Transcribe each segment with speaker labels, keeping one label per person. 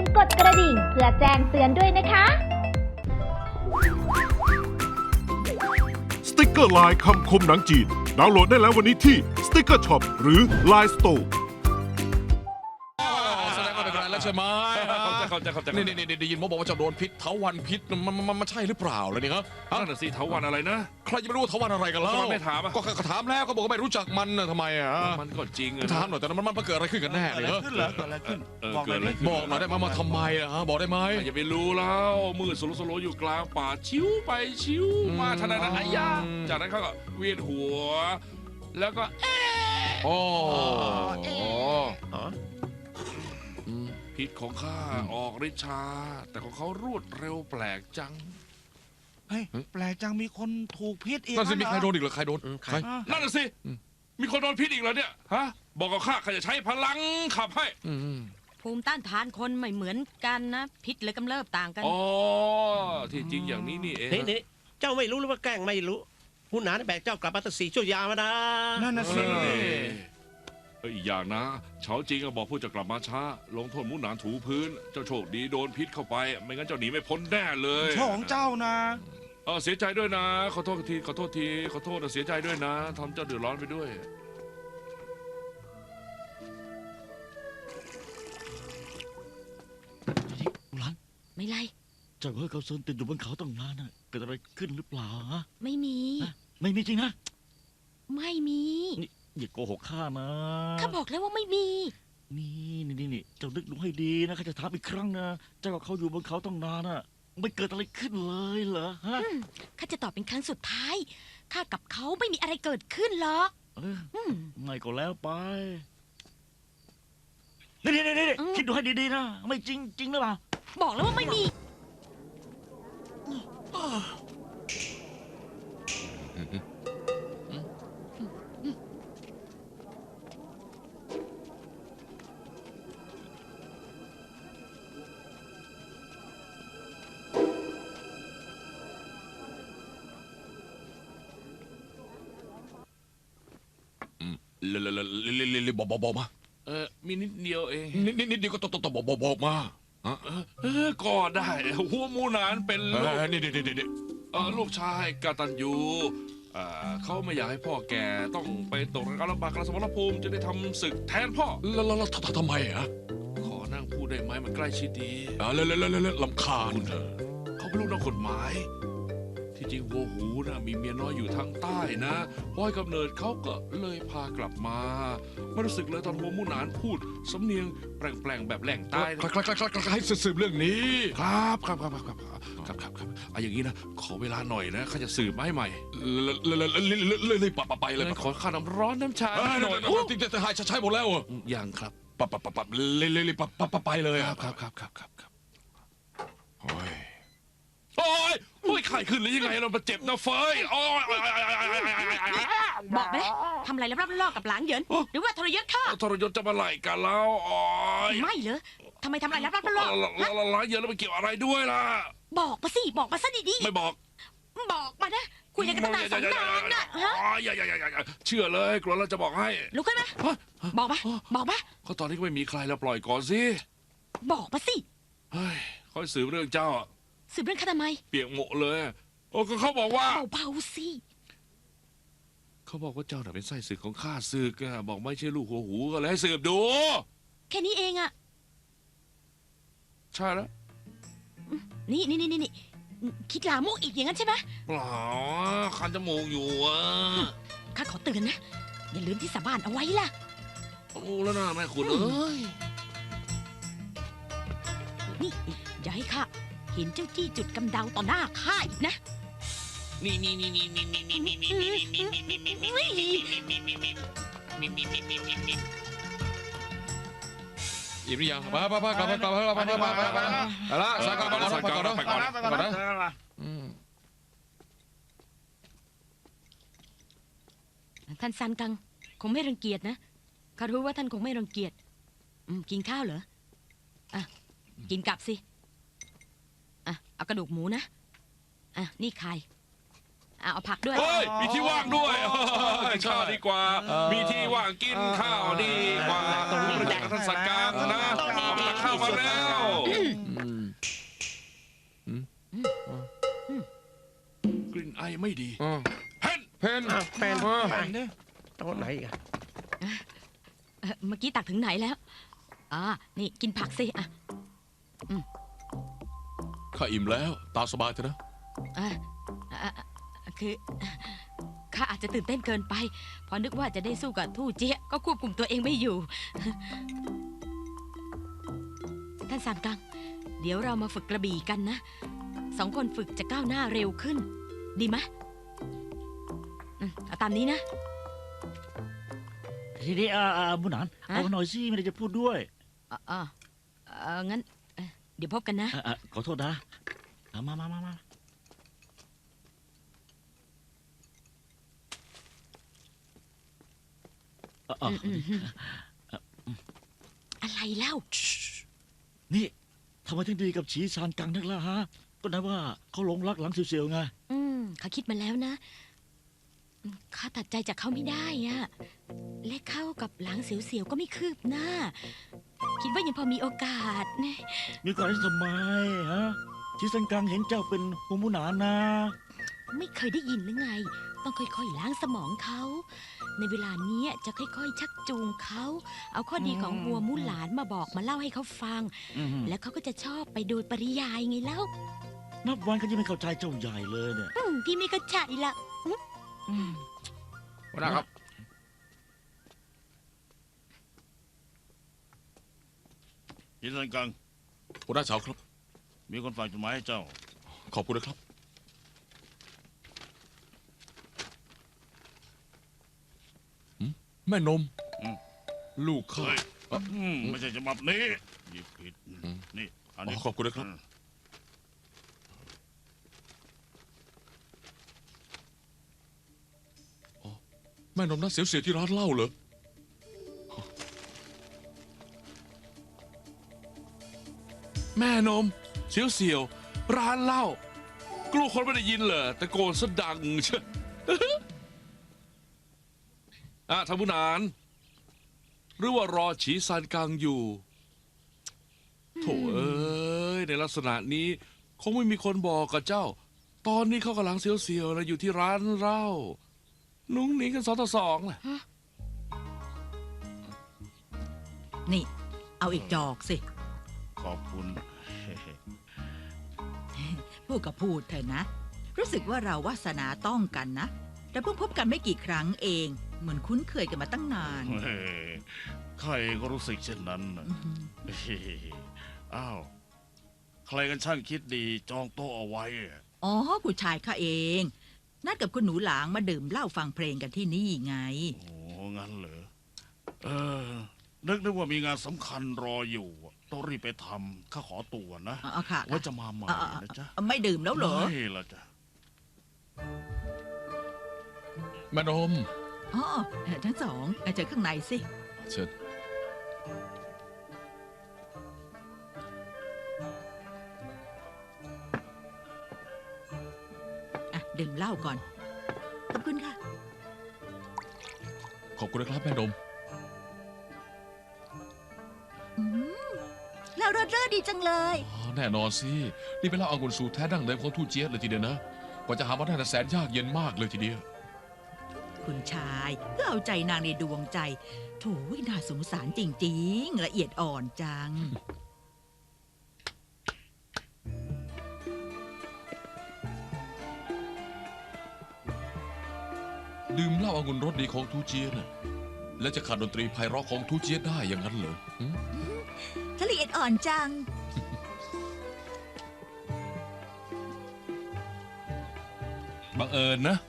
Speaker 1: กดกระดิ่งเพื่อแจ้งเตือนด้วยนะคะ
Speaker 2: สติกเกอร์ลายคำคมหนังจีนดาวน์โหลดได้แล้ววันนี้ที่ Sticker Shop หรือ Line Store
Speaker 3: แสดงว่าเป็นไรแล้วใช่ไหม
Speaker 4: เข้าใจ
Speaker 3: นี่ได้ยินหมอบอกว่าจะโดนพิษเถาวัลย์พิษมันใช่หรือเปล่าเลยเนี่ยฮะ
Speaker 4: นั่นน่ะสิเถาวัลย์อะไรนะ
Speaker 3: ใครจะไม่รู้เถาวัลย์อะไรกันแล้ว
Speaker 4: ทำไมไม่ถามอะ
Speaker 3: ก็ถามแล้วก็บอกว่าไม่รู้จักมันนะทำไมอ่ะ
Speaker 4: มันก็จริง
Speaker 3: ถามหน่อยแต่มันเกิดอะไรขึ้นกันแน่เลยเหรอ
Speaker 5: ขึ้นเหรอเกิดอะไรขึ้น
Speaker 4: เกิดอะไรขึ้น
Speaker 3: บอกหน่อยได้ไหมมาทำไมอ่ะฮะบอกได้ไหม
Speaker 4: อย่าไปรู้แล้วมืดสโลอยู่กลางป่าชิวไปชิวมาทันใดนั้นอายาจากนั้นเขาก็เวียนหัว แล้วก็
Speaker 3: โอ้
Speaker 4: พิษของข้าออกฤทธิ์ช้าแต่ของเขารวดเร็วแปลกจัง
Speaker 5: เฮ้ยแปลกจังมีคนถูกพิษอีก
Speaker 3: นั่นสิมีใครโดน
Speaker 5: เห
Speaker 3: อีกเหรอใครโดนใคร
Speaker 4: นั่นน่ะสิมีคนโดนพิษอีกแล้วเนี่ยฮะบอกกับข้าจะใช้พลังขับให้
Speaker 6: ภูมิต้านทานคนไม่เหมือนกันนะ พิษเลยกำเริบต่างกัน
Speaker 4: อ๋อที่จริงอย่างนี้นี่เอง
Speaker 7: นี่เจ้าไม่รู้หรือว่าแกล้งไม่รู้ผู้หนาแบกเจ้ากลับมาตั้ง4 ชั่วยามแล้วนะ
Speaker 5: นั่นน่ะสิ
Speaker 4: อีกอย่างนะเฉาจริงก็บอกผู้จะกลับมาช้า ลงโทษมุนหนานถูพื้น เจ้าโชคดีโดนพิษเข้าไป ไม่งั้นเจ้าหนีไม่พ้นแน่เลย
Speaker 5: โชคของเจ้านะ
Speaker 4: เสียใจด้วยนะ ขอโทษทีขอโทษทีขอโทษนะเสียใจด้วยนะทำเจ้าเดือดร้อนไปด้วย
Speaker 8: หลาน
Speaker 6: ไม่ไร
Speaker 8: เจ้าเฮ้ยเขาเซินติดอยู่บนเขาตั้งนานน่ะเกิดอะไรขึ้นหรือเปล่าฮะ
Speaker 6: ไม่มี
Speaker 8: ไม่มีจริงนะ
Speaker 6: ไม่มี
Speaker 8: นี่อย่าโกหกข้านะ
Speaker 6: ข้าบอกแล้วว่าไม่มี
Speaker 8: นี่เจ้านึกดูให้ดีนะข้าจะถามอีกครั้งนะเจ้ากับเขาอยู่บนเขาตั้งนานน่ะไม่เกิดอะไรขึ้นเลยเหรอฮะ
Speaker 6: ข้าจะตอบเป็นครั้งสุดท้าย ข้ากับเขาไม่มีอะไรเกิดขึ้นหรอก
Speaker 8: เออ
Speaker 6: อืม
Speaker 8: ไม่ก็แล้วไปนี่คิดดูให้ดีๆนะไม่จริงจริงหรือเปล่า
Speaker 6: บอกแล้วว่าไม่มี
Speaker 3: เลยบอกมา
Speaker 4: มีนิดเดียวเอง
Speaker 3: นิดเดียวก็ต้องบอกมา
Speaker 4: ก็ได้หัวมูหนานเป็น
Speaker 3: นี่
Speaker 4: ลูกชายกตัญญูเขาไม่อยากให้พ่อแก่ต้องไปตกนรกลำบากกระสมรภูมิจะได้ทำศึกแทนพ่อ
Speaker 3: แล้วทำไมอ่ะ
Speaker 4: ขอนั่งพูดได้ไหมมันใกล้ชิดดี
Speaker 3: แล้วลำคาญ
Speaker 4: เขาเป็นลูกนักกฎหมาย ที่จริงวัวหูนะมีเมียน้อยอยู่ทางใต้นะพอให้กำเนิดเขาก็เลยพากลับมาไม่รู้สึกเลยตอนหัวมูหนานพูดสำเนียงแปลงๆแบบแหล่งใต้นะ
Speaker 3: ใครให้สืบเรื่องนี้
Speaker 4: ครับอย่างนี้นะขอเวลาหน่อยนะข้าจะสืบมาให้ใหม่
Speaker 3: เลยไปเลย
Speaker 4: ขอข้าวน้ำร้อนน้ำชาหน่อย
Speaker 3: ติ๊กจะใช้หมดแล้ว
Speaker 4: ยังครับ
Speaker 3: เลยไปเลย
Speaker 4: ครับโอ้ยไข้ขึ้นหรือยังไงเราเจ็บนะเฟยโอ้ย
Speaker 6: บอกไปเลยทำอะไรแล้วรับล่อกับหลางเหยินหรือว่าทรยศข้า
Speaker 4: ทรยศจะมาไล่กันแล้วโอ้ย
Speaker 6: ไม่เหรอทำไมทำอะไรรับล่อ
Speaker 4: ร้ายเยอะแล้วมันเกี่ยวอะไรด้วยล่ะ
Speaker 6: บอกมาสิบอกมาซะดี
Speaker 4: ไม่บอก
Speaker 6: ๆบอกมานะคุยกันตั้งนานสองนานนะฮะ
Speaker 4: อย่าเชื่อเลยกลัวเราจะบอกให้
Speaker 6: ลุกขึ้นมาบอกมา
Speaker 4: ก็ตอนนี้ก็ไม่มีใครแล้วปล่อยก่อนสิ
Speaker 6: บอกมาสิ
Speaker 4: เฮ้ยค่อยสืบเรื่องเจ้า
Speaker 6: สืบเรื่องข้าทำไม
Speaker 4: เปียกหมดเลยโอ้ก็เขาบอกว่า
Speaker 6: เบาๆสิ
Speaker 4: เขาบอกว่าเจ้าน่ะเป็นไส้ศึกของข้าศึกอะบอกไม่ใช่ลูกหัวหูก็เลยให้สืบดู
Speaker 6: แค่นี้เองอะ
Speaker 4: ใช่แล้ว
Speaker 6: นี่คิดลามกอีกอย่างนั้นใช่ไหม
Speaker 4: เปล่าคันจมูกอยู่อะ
Speaker 6: ข้าขอเตือนนะอย่าลืมที่สาบานเอาไว้ล่ะ
Speaker 4: โอ้แล้วนะแม่คุณเอ้ย
Speaker 6: นี่อย่าให้ข้าเห็นเจ้าจี้จุดกำเดาต่อหน้าข้าอีกนะ
Speaker 4: นี่
Speaker 3: อิ่มหรือยังไปกลับละสายก่อนนะ
Speaker 6: ท่านซันกังคงไม่รังเกียจนะข้ารู้ว่าท่านคงไม่รังเกียจกินข้าวเหรออ่ะกินกลับสิอ่ะเอากระดูกหมูนะอ่ะนี่ไข่เอาผักด้วย
Speaker 4: เฮ้ย มีที่ว่างด้วยกินข้าวดีกว่า มีที่ว่างกินข้าวดีกว่าตรงนี้มาจากท่านสักการนะเอามาข้าวมาแล้ว กลิ่นไอไม่ดีเฮ้น
Speaker 3: เพน
Speaker 7: แฟน
Speaker 5: ไปดิ
Speaker 7: โต๊ะไหนอีกัน
Speaker 6: เมื่อกี้ตักถึงไหนแล้วนี่กินผักสิอ่ะ
Speaker 4: ข้าอิ่มแล้วตามสบายเถอะนะ
Speaker 6: อ่ะอ่ะคือข้าอาจจะตื่นเต้นเกินไปพอนึกว่าจะได้สู้กับทู่เจี๊ยก็ควบคุมตัวเองไม่อยู่ ท่านซานกัง เดี๋ยวเรามาฝึกกระบี่กันนะ2 คนฝึกจะก้าวหน้าเร็วขึ้น ดีไหมเอาตามนี้นะ
Speaker 8: ทีนี้บุญหนานเอาหน่อยสิไม่ได้จะพูดด้วย
Speaker 6: งั้นเดี๋ยวพบกันนะ
Speaker 8: ขอโทษนะมา
Speaker 6: อะไรเล่า
Speaker 8: นี่ทำไมถึงดีกับฉีซานกังนักล่ะฮะ ก็นะว่าเขาหลงรักหลังเสียวๆไง
Speaker 6: ข้าคิดมาแล้วนะข้าตัดใจจากเขาไม่ได้อะและเข้ากับหลังเสียวๆก็ไม่คืบหน้า คิดว่ายังพอมีโอกาสนะ
Speaker 8: มีก่อนที่ทำไมฮะฉีซานกังเห็นเจ้าเป็นหัวหมูหนานนะ
Speaker 6: ไม่เคยได้ยินหรือไง ต้องค่อยๆล้างสมองเขา ในเวลานี้จะค่อยๆชักจูงเขา เอาข้อดีของวัวมู่หลานมาบอกมาเล่าให้เขาฟัง แล้วเขาก็จะชอบไปโดยปริยายไงเล่า
Speaker 8: นับวันเขายังไม่เข้าใจเจ้าใหญ่เลยเนี่ย
Speaker 6: พี่ไม่เข้าใจละ
Speaker 3: หัวหน้าครับ
Speaker 9: ยินดีกัง
Speaker 4: หัวหน้าเฉาครับ
Speaker 9: มีคนฝากจดหมายให้เจ้า
Speaker 4: ขอบคุณนะครับ แม่นม ลูกข้า
Speaker 9: เฮ้ยไม่ใช่ฉบับนี้หยิบผิดนี่อันนี้
Speaker 4: ขอบคุณนะครับ แม่นมน่าเสียวๆที่ร้านเหล้าเหรอ แม่นมเสียวๆร้านเหล้ากลัวคนไม่ได้ยินเหรอตะโกนซะดังเชอะท่านผู้นานหรือว่ารอฉีซานกังอยู่โถเอ้ยในลักษณะนี้คงไม่มีคนบอกกับเจ้า ตอนนี้เขากำลังเสียวๆนะอยู่ที่ร้านเหล้านุ้งหนีกัน2 ต่อ 2น่ะ
Speaker 10: นี่ เอาอีกจอกสิ
Speaker 9: ขอบคุณ
Speaker 10: พูดกับพูดเถอะนะ รู้สึกว่าเราวาสนาต้องกันนะ แต่เพิ่งพบกันไม่กี่ครั้งเอง เหมือนคุ้นเคยกันมาตั้งนาน
Speaker 9: เฮ้ยใครก็รู้สึกเช่นนั้นน่ะเฮ้ยอ้าวใครกันช่างคิดดีจองโต๊ะเอาไว้อะ
Speaker 10: อ๋อผู้ชายข้าเอง นัดกับคุณหนูหลางมาดื่มเหล้าฟังเพลงกันที่นี่ไง
Speaker 9: โอ้งั้นเหรอนึกว่ามีงานสำคัญรออยู่ต้องรีบไปทำข้าขอตัวนะ
Speaker 10: เอาค่ะ
Speaker 9: ไว่าจะมาใหม่นะจ๊ะ
Speaker 10: ไม่ดื่มแล้วเหรอ
Speaker 9: ไม่ละจ๊ะ
Speaker 4: แม่นม
Speaker 10: อ๋อทั้งสองเจอข้างในสิ
Speaker 4: เชิญ
Speaker 10: ดื่มเหล้าก่อน ขอบคุณค่ะ
Speaker 4: ขอบคุณนะครับแม่นม
Speaker 10: เหล้ารสเลิศดีจังเลย
Speaker 4: แน่นอนสิ นี่เป็นเหล้าองุ่นสูตรแท้ดั้งเดิมของทูเจี๊ยเลยทีเดียวนะ กว่าจะหามาได้น่ะแสนยากเย็นมากเลยทีเดียว
Speaker 10: คุณชายเพื่อเอาใจนางในดวงใจโถยน่าสงสารจริงๆ ละเอียดอ่อนจัง
Speaker 4: ดื่มเหล้าองุ่นรสดีของทูเจี๊ยน่ะแล้วจะขาดดนตรีไพเราะของทูเจี๊ยได้อย่างนั้นเหรอหึ
Speaker 10: ละเอียดอ่อนจัง
Speaker 4: บังเอิญนะ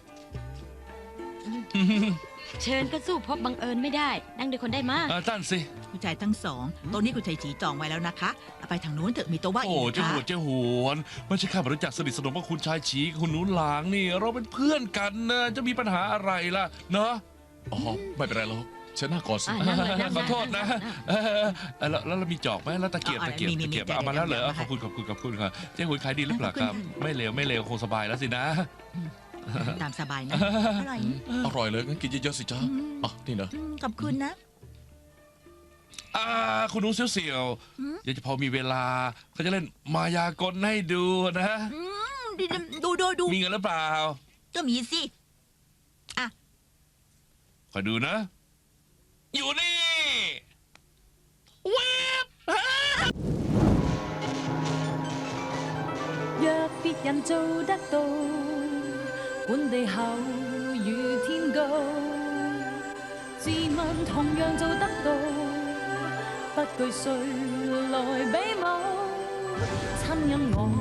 Speaker 6: เชิญก็สู้พบบังเอิญไม่ได้ นั่งด้วยคนได้มาก
Speaker 4: ตั้นสิ
Speaker 10: คุณชายทั้งสองโต๊ะนี้คุณชายจีจองไว้แล้วนะคะเอาไปทางนู้นเถอะมีโต๊ะว่างอี
Speaker 4: โอ้
Speaker 10: ก
Speaker 4: เจ้า
Speaker 10: ค่ะ
Speaker 4: หัวเจ้าหวนไม่ใช่ข้ามารู้จักสนิทสนมกับคุณชายฉีกับคุณหนูหลางนี่ เราเป็นเพื่อนกันนะจะมีปัญหาอะไรล่ะเนาะอ๋อไม่เป็นไรหรอกเชิญหน้าก่อนสิ
Speaker 6: นั่งเลยนั่ง
Speaker 4: ขอโทษนะแล้วเรามีจอกไหมแล้วตะเกียบเอามาแล้วเหรอขอบคุณครับเจ้าหวนขายดีหรือเปล่าครับไม่เลวคงสบายแล้วสินะ
Speaker 10: ตามสบายนะ อร่อย
Speaker 3: อร่อยเลยงั้นกินเยอะๆสิจ้าอ่ะนี่เนอะ
Speaker 10: ขอบคุณนะ
Speaker 3: คุณหนูเสี่ยว
Speaker 10: หืม
Speaker 3: ๆอยากจะพอมีเวลาเขาจะเล่นมายากลให้ดูนะ
Speaker 10: ดู
Speaker 3: มีเงินหรือเปล่า
Speaker 10: ก็มีสิ
Speaker 3: คอยดูนะ อยู่นี่เว็บ
Speaker 11: 若別人做得到，管地厚如天高，自問同樣做得到，不懼誰來比武，親因我